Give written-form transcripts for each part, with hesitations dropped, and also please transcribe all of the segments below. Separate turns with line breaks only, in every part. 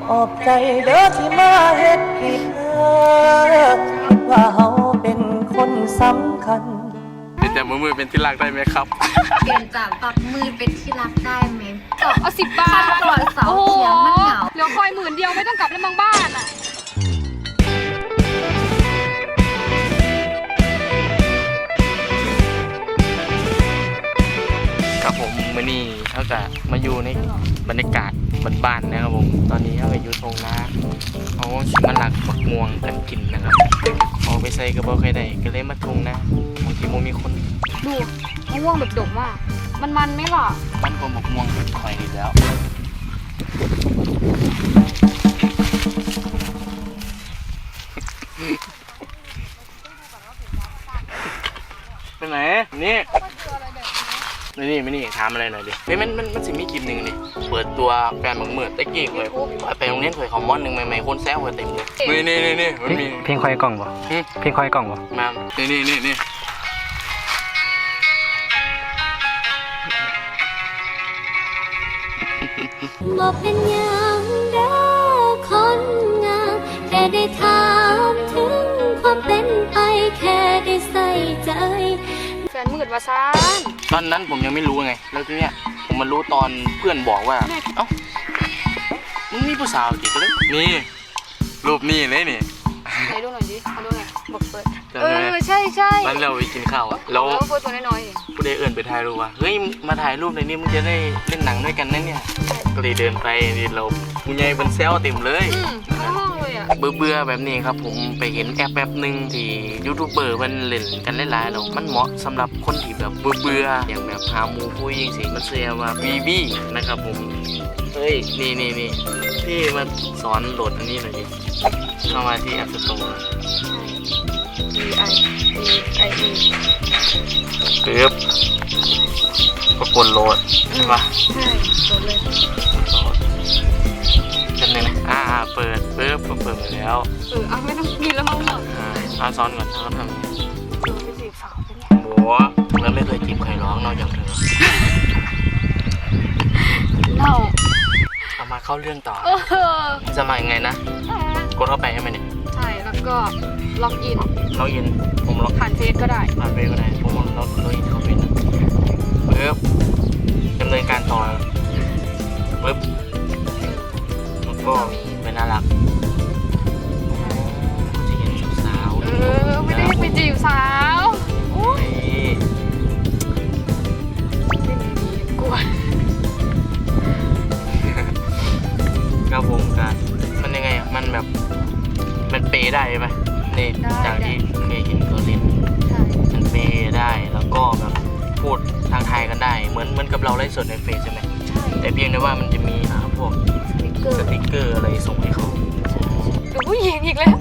ขอบใจเด้อที่มาเฮ็ดให้เธอว่าเฮาเป็นคนสำคัญ
เป็นแต่มือเป็นที่รักได้ไหมครับ
เปลี่ยนจากตัดมือเป็นที่รักได้ไหม
เอา10 บาท
ตัวเสาเทียมมันเหงา
เหลือคอย10,000ไม่ต้องกลับแล้วบางบ้านอ่ะ
ครับผมมื้อนี้เขาจะมาอยู่ในบรรยากาศบ้านๆนะครับผมตอนนี้เขาก็อยู่ตรงนาเขาสิมาหลักบักม่วงกันกินนะครับเอาไปใส่กระเป๋าใครได้ก็เลยมาทงนะบางทีโมมีคน
ดูมะม่วงแบบดกมากมันไหมล่ะ
มันก็บักม่วงคอยดีแล้วไปไหนนี่ไม่นี่ถามอะไรหน่อยดิเฮ้ยมันสิมีคลิปหนึ่งดิเปิดตัวแฟนบังเมิดตะกี้เลยไปโรงเรียนเคยคอมมอนหนึ่งใหม่ๆคนแซวกันเต็มเลยนี่มันมี
เพลงคอยกล่องบ่เพลงคอยกล่องบ่
มานี่
บอกเป็นอย่างเด้อคนงามแค่ได้ถามถึงความเป็นไปแค่ได้ใส่ใจ
แฟนมืดว่าซาน
ตอนนั้นผมยังไม่รู้ไงแล้วทีเนี้ยผมมารู้ตอนเพื่อนบอกว่าเอ้ามึงมีผู้สาวกี่คนเลยนี่รูปนี่เลยนี่
ไหนดูหน่อยดิมาดูหน่อยบอกเปิดใช่
ตอนเราไปกินข้าวอะแล้ว
โฟตัวน้อย
ๆผู้ใดเอื่นไปถ่ายรูปว่าเฮ้ยมาถ่ายรูปในนี้มึงจะได้เล่นหนังด้วยกันนั่นเนี่ยก็เลยเดินไปนี่เราผู้ใหญ่เป็นเซลเต็มเลย
ห้องเลยอ่ะ
เบื่อแบบนี้ครับผมไปเห็นแอปหนึ่งที่ยูทูบเบอร์มันเล่นกันหลายๆเนาะมันเหมาะสำหรับคนที่แบบเบื่ออย่างแบบหาหมูคุยยิงสิมันเสียว่าวีนะครับผมเฮ้ยนี่พี่มาสอนโหลดอันนี้หน่อยดิเข้ามาที่ App Store
VIE
ปึ๊บก็กดโหลดใช่ปะ
ใช่โหลดเลย
จำเลยนะเปิดปึ๊บเปิดไปแล้ว
ไม่ต้องกินแล้วมั้ง
สอนก่อนเขาทำ
ไปจีบสาวเป็นไง
โหแล้วไม่เคยจีบใครร้องนอกจากเธอเอามาเข้าเรื่องต่อจะมายังไงนะกดเข้าไปใช่ไหมเนี่ย
ใช่แล้วก็ล็อกอิน
ผมล็อก
ผ่านเฟซก็ได้
ผมล็อกอินเข้าไปนะปึ๊บดำเนินการต่อปึ๊บแล้วก็เป็นน่ารักจะเห็นสาว
ไม่ได้ไปจีบสาวกลัว
ครับผมกันมันยังไงอ่ะมันแบบมันเปย์ได้ไหมนี่จากที่เคยเห็นเขาเล่นมันเปย์ได้แล้วก็แบบพูดทางไทยกันได้เหมือนกับเราไลฟ์สดในเฟซใช่ไหม
ใช่
แต่เพียงแต่ว่ามันจะมีพวกสติ๊กเกอร์อะไรส่งให้เขา
ดูผู้หญิงอีกแล้ว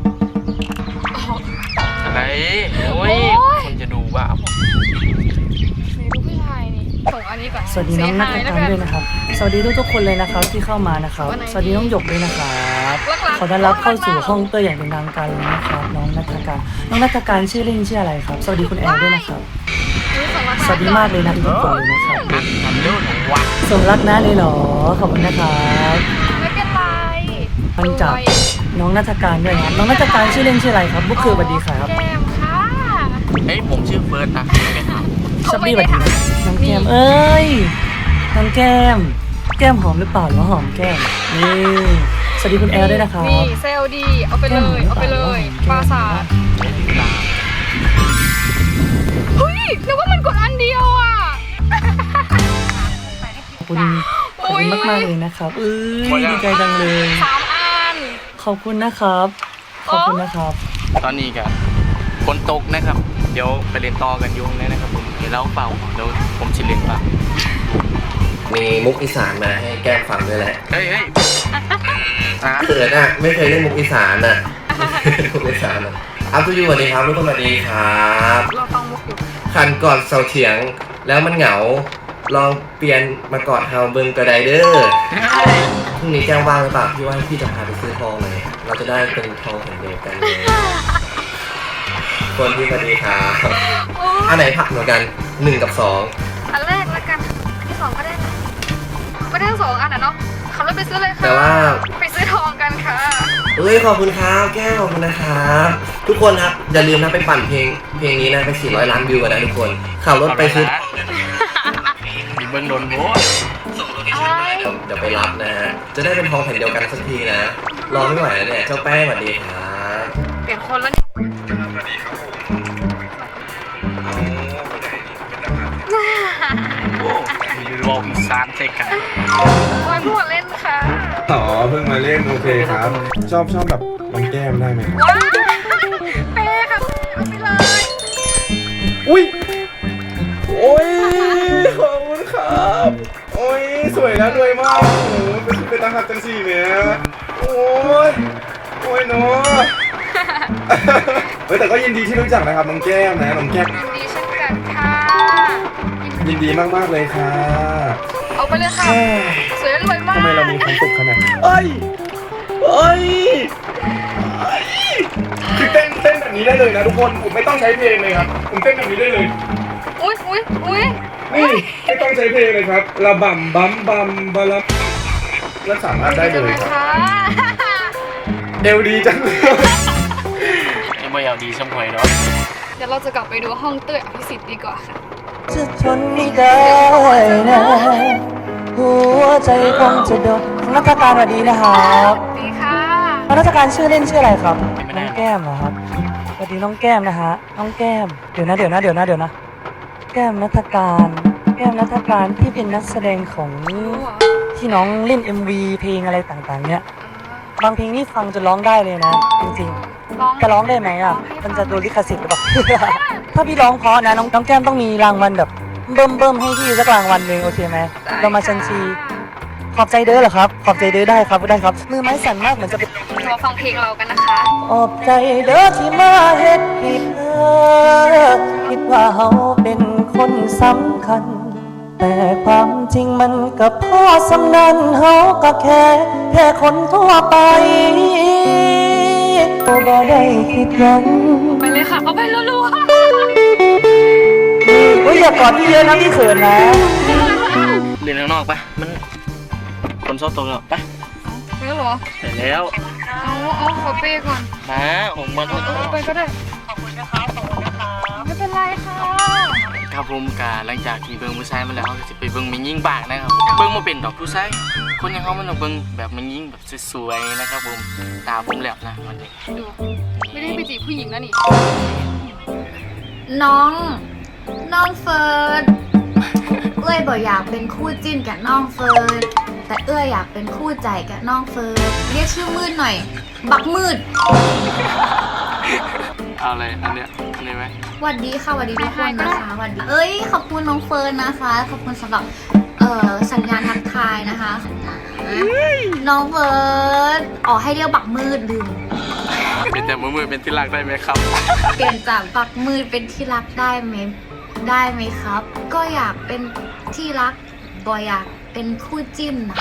อะไรโอ้ยคนจะดูว่า
ดูผู้ชายนี่ส่งอันนี้ก่อน
สวัสดีน้องนักการด้วยนะครับสวัสดีทุกคนเลยนะครับที่เข้ามานะครับสวัสดีน้องหยกด้วยนะครับขอต้อนรับเข้าสู่ห้องเตยอย่างเป็นทางการเลยนะครับน้องนัทการชื่อเล่นชื่ออะไรครับสวัสดีคุณแอลด้วยนะครับสวัสดีมากเลยนะทุกคนเลยนะครับส่งรักนะเลยเหรอขอบคุณนะครับ
ไม่เป็นไร
มันจากน้องนัทการด้วยนะน้องนัทการชื่อเล่นชื่ออะไรครับบุ๊คคือสวัสดีครับ
แก้มค่ะ
เฮ้ยผมชื่อเฟิร์สนะ
ชับบี้สวัสดีน้องแก้มเอ้ยน้องแก้มหอมหรือเปล่าหรือหอมแก้มนี่สวัสดีคุณแอลด้วยนะครับ
นี่เซลดีเอาไปเลยปราสาทเฮ้ยนึกว่ามันกดอันเดียวอ่ะ
ขอบคุณมากเลยนะครับดีใจจังเลย
3 อัน
ขอบคุณนะครับ
ตอนนี้กันฝนตกนะครับเดี๋ยวไปเรียนต่อกันยุ่งเลยนะครับผมเดี๋ยวเล่าเปล่าเดี๋ยวผมชิลเล่นเปล่า
มีมุกอีสานมาให้แก้มฟังด้วยแหละ
เฮ้ย
เขินอ่ะไม่เคยเล่นมุกอีสานอ่ะอัพทูยูสวัสดีครับทุกคนสวัสดีครับ
เราฟังมุกอยู่
ขันกอดเสาเถียงแล้วมันเหงาลองเปลี่ยนมากอดเฮาเบิงกระไดเด้อพรุ่งนี้แจ้งว่างหรือเปล่าพี่ว่าพี่จะพาไปซื้อทองเลยเราจะได้เป็นทองแผ่นเดียวกันเลยคนที่สวัสดีครับอันไหนผักเหมือนกัน1 กับ 2
อันแรกแล้วกันที่2ก็ได้นะไม่ได้ทั้ง2 อันอ่ะเนาะขับรถไปซื้อเลยค่ะ
แต่ว่า
ไปซื้อ
เฮ้ยขอบคุณครับแก้วขอบคุณนะครับทุกคนครับอย่าลืมนะไปปั่นเพลงนี้นะไป400 ล้านวิวกันนะทุกคนขับรถไปซื้อ
มีเบิ้งโดนโบ
เดี๋ยวไปรับนะฮะจะได้เป็นทองแผ่นเดียวกันสักทีนะรอไม่ไหวแล้วเนี่ยเจ้าแป้งสวัสดีครับ
เปลี่ยนคนแล้วเนี่ย
มีรวมสามเทกัน
โอ้ยพูดเล่นค่ะ
อ๋อเพิ่งมาเล่นโอเคครับ ชอบแบบมันแก้มได้ไหมครับ
ว้าเป๊ะค่ะเอาไปเลย
อุ้ยโอ้ยขอบคุณครับโอ้ยสวยแล้วรวยมากโอ้โหเป็นตาหักจังสี่เนี่ยโอ้ยโอ้ยเนาะเฮ้ยแต่ก็ยินดีที่รู้จักนะครับน้องแก้มนะน้องแก้ม
ยินดีเช่นกันค่ะ
ยินดีมากๆเลยค่ะ
เอาไปเลยค่ะ สวยและรวยมาก
ทำไมเรามีความสุขขนาดเอ้ยเอ้ยคือเต้นแบบนี้ได้เลยนะทุกคนผมไม่ต้องใช้เพลงเลยครับผมเต้นแบบนี้ได้เลย
อุ้ยอุ้ยอุ้ย
นี่ไม่ต้องใช้เพลงเลยครับระบำบัมบัมบาลับแล้วสามารถได้เลยครับ
ค่ะ
เอวดีจังเลย
ยังไม่เอาดีช่ำหวยเนาะ
เดี๋ยวเราจะกลับไปดูห้องเต้ยอภิสิทธิ์ดีกว่าค่ะ
จะทนไม่ได้นะหัวใจคงจะโดนนักการสวัสดีนะครับ
ดีค่ะ
นักการชื่อเล่นชื่ออะไรครับน้องแก้มเหรอครับสวัสดีน้องแก้มนะฮะน้องแก้มเดี๋ยวนะแก้มนัฐการที่เป็นนักแสดงของที่น้องเล่น MV เพลงอะไรต่างๆเนี่ยบางเพลงนี่ฟังจนร้องได้เลยนะจริงๆจะร้องได้ไหมอ่ะมันจะโดนลิขสิทธิ์หรือเปล่า ถ้าพี่ร้องเพราะนะน้องแก้มต้องมีรางวัลแบบเบิ่มให้พี่สักรางวัลหนึ่งโอเคไหมเรามาชันชีขอบใจเด้อเหรอครับขอบใจเด้อได้ครับมือไม้สั่นมากเหมือนจะเป็น
มาฟังเพลงเรากันนะคะ
ขอบใจเด้อที่มาเฮ็ดผิดคิดว่าเฮาเป็นคนสำคัญ แต่ความจริงมันกับพ่อสำนันเฮาก็แค่คนทั่วไปบ่ได้คิดหยัง
ไปเลยค่ะ เอาไปรัว
โอ้ยอย่ากอดพี่เยอะนะพี่เขินนะ
เรียนข้างนอกปะมันคนชอบตรงแล้วปะ
ๆไปแล้วเหรอ
เสร็จแล้ว
เอาขอเป้ก่อน
มาผมมา
เอาไปก็ได้ ขอบคุณนะคะไม่เป็นไรค่ะ
ครับผมกาหลังจากที่เบิ้งผู้ชายมาแล้วเขาก็จะไปเบิ้งมันยิ่งบากนะครับเบิ้งมาเป็นดอกผู้ชายคนอย่างเขามันต้องเบิ้งแบบมันยิ่งแบบสวยๆนะครับผมตาผมแหลบนะวันนี้
ดู ไม่ได้ไปจีบผู้หญิงแล้วนี่
น้องเฟิร์น เอ้ยบอกอยากเป็นคู่จิ้นกับน้องเฟิร์น แต่เอ้ยอยากเป็นคู่ใจกับน้องเฟิร์น เรียกชื่อมืดหน่อย บักมืด
เอาอะไรอันเนี้ยอันนี้ไหม
หวัดดีค่ะหวัดดีทุกคนนะคะหวัดดีเอ้ยขอบคุณน้องเฟิร์นนะคะ ขอบคุณสำหรับสัญญาณทักทายนะคะ น้องเฟิร์นอ๋อให้เรียกบักมืดลืม
เป็นแต่มือเป็นที่รักได้ไหมครับ
เปลี่ยนจากบักมืดเป็นที่รักได้ไหมครับ ก็อยากเป็นที่รักบอยอยากเป็นคู่จิ้นนะ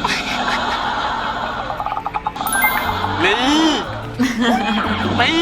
นี่นี่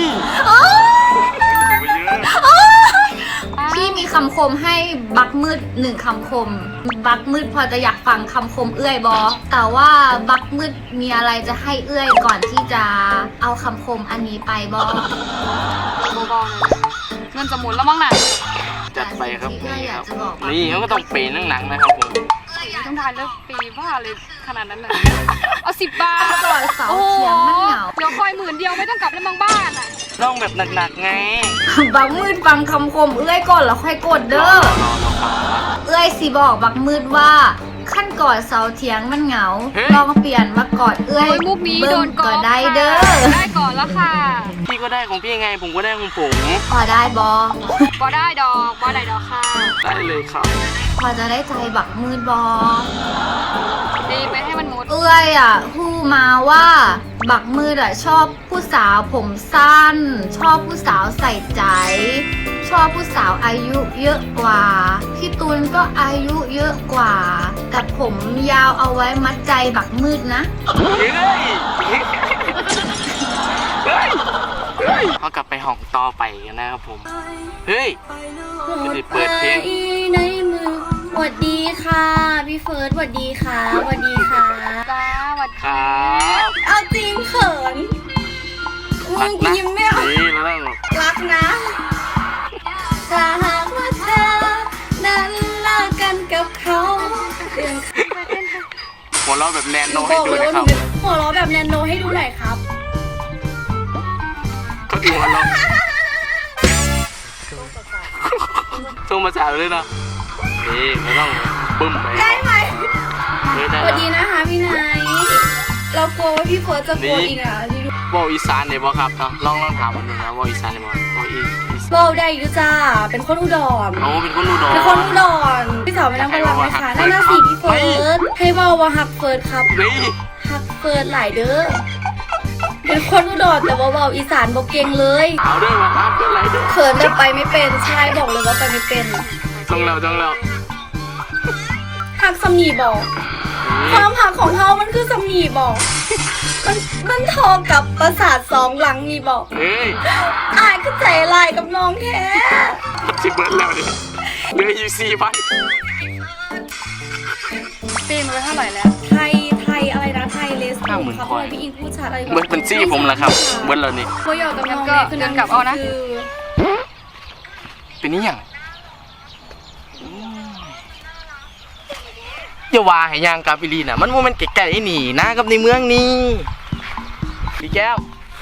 พี่มีคำคมให้บักมืด1คำคม บักมืดพอจะอยากฟังคำคมเอื้อยบอแต่ว่าบักมืดมีอะไรจะให้เอื้อยก่อนที่จะเอาคำคมอันนี้ไปบอ
เบาๆเลยเงินจะหมุนแล้วมั้งน่ะ
จัดไปครับ
สิ่งที่เอื้อยอยากจะบอก
นี่เขาก็ต้องเปย์หนังๆนะครับผม
ต้องทานเลิกปีบ้าเลยขนาดนั้นเลยเอา10 บาท
ก่อนเสาเทียงมันเหงา
เดี๋ยวคอย10,000ไม่ต้องกลับแล้วบางบ้านอ่ะ
ต้องแบบหนักๆไง
บักมืดฟังคำคมเอื้อยก่อนแล้วค่อยกดเด้อ เอื้อยสิบอกบักมืดว่าขั้นกอดเสาเถียงมันเหงา ลองเปลี่ยนมากอดเอื้อย
โอ้ยมุกนี้โดนก่
ก็
อน
ได้เด้อ
ได้ก่อนแล้วค่ะ
พี่ก็ได้ของพี่ไงผมก็ได้ของผม
พอได้บอ
บ่ได้ดอกบ่ได้ดอกค่ะ
ได้เลยครับ
พอจะได้ใจบักมืดบอ
ดีไปให้มันหมด
เอื้อยอ่ะพูดมาว่า บักมืดอ่ะชอบผู้สาวผมสั้น ชอบผู้สาวใส่ใจ ชอบผู้สาวอายุเยอะกว่า พี่ตูนก็อายุเยอะกว่า แต่ผมยาวเอาไว้มัดใจบักมืดนะ
เขากลับไปห้องต่อไปกันนะครับผม เฮ้ยจะได้เปิดเพลง
ในมือสวัสดีค่ะพี่เฟิร์สสวัสดีค่ะสวัสดีค่ะ
จ้าหวัด
ครับ
เอาจริงเขิน
หัวเราะแบบแนนโน
บ
ให้
อก
ดู
เลย
นะ
ว่า
ค
หนู
รับ
เป็นหัวเราะแบบแนนโนให้ดูหน่อยครับ
เขาดูหัวเราะส่งมาสาวเลยเนาะนี่ไม่ต้องบึ้มไป
ได้ไหม
ได้
สวัสดีนะคะพี่นายเรากลัวว่าพี่เฟิร์สจะกลัวอีกอ่ะที่ดู
บอกอีสานเนี่ยบอกครับเนาะลองถามมันดูนะบอกอีสานเนี่ยบอกอีส
เบาได้อยู่จ้าเป็นคนอุดร
โอ้เป็นคนอุดร
เป็นคนอุดรพี่สาวไปนั่งพลังไหมคะนั่นน่ะสิพี่เฟิร์สให้เบาว่าฮักเฟิร์สครับ
นี่
ฮักเฟิร์สหลายเด้อเป็นคนอุดรแต่ว่าเบาอีสานบอกเก่งเลย
เอาด้วยมาครับเป็นไรด้วย
เขินแต่ไปไม่เป็นใช่บอกเลยว่าไปไม่เป็น
จ้องแล้ว
ฮักสำนีบอกความหักของเฮามันคือสำนีบอกมันทอกับประสาทสองหลังนี่บอก
เฮ้ย
อายก็ใจลายกับน้องแท้
สิบเบิร์ดแล้วดิเหลืออยู่4,000
ปีนไปเท่าไหร่แล้ว
ไทยอะไรนะไทยเลส
50,000
ครับ
คอย
พี่อิงพูดชัดอะไร
เบิร์ดเป็นซี่ผมแล้วครับเบิร์ดแล้วนี่
โมยอกับน้อง
งั้นก็
คือ
เดินกลับเอานะ
คือ
เป็นนี่ยังอย่าว่าให้ยางกาบิลีน่ะมันโมเมนต์ไกลๆนี่นะกับในเมืองนี่พี่แก้ว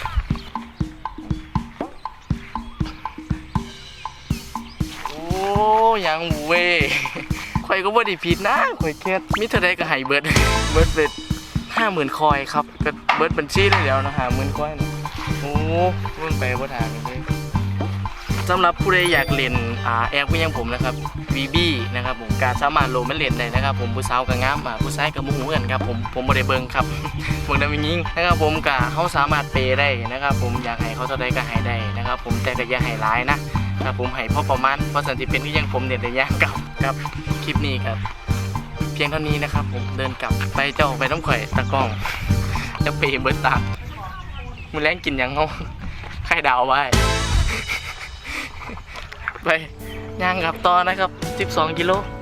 โอ้ยังเว้ยข่อยก็บ่ได้ผิดนะข่อยแค่มิเท่าใดก็ให้เบิร์ดเป็น50,000 คอยครับก็เบิร์ดบัญชีได้แล้วนะ50,000 คอยนะโอ้มันไปบ่ทางเลยสำหรับผู้ใดอยากเล่นแอปก็ยังผมนะครับ VB นะครับผมการสามารถโหลดมันเล่นได้นะครับผมผู้สาวกับงามผู้ชายกับหมู่กันครับผมบ่ได้เบิ่งครับ เบิ่งได้ไม่ยิงนะครับผมก็เขาสามารถเปย์ได้นะครับผมอยากให้เขาเท่าใดก็ให้ได้นะครับผมแต่ก็อย่าให้ร้ายนะครับผมให้พอประมาณเพราะสันติเป็นที่ยังผมเด่นแต่ยากกับคลิปนี้ครับ เพียงเท่านี้นะครับผมเดินกลับไปเจ้าไปน้ำข่อยตะกล้องจะเปย์เบิดตามมื้อแรงกินหยังเฮาไข่ดาวไว้ ไปย่างกลับต่อนะครับ12 กิโล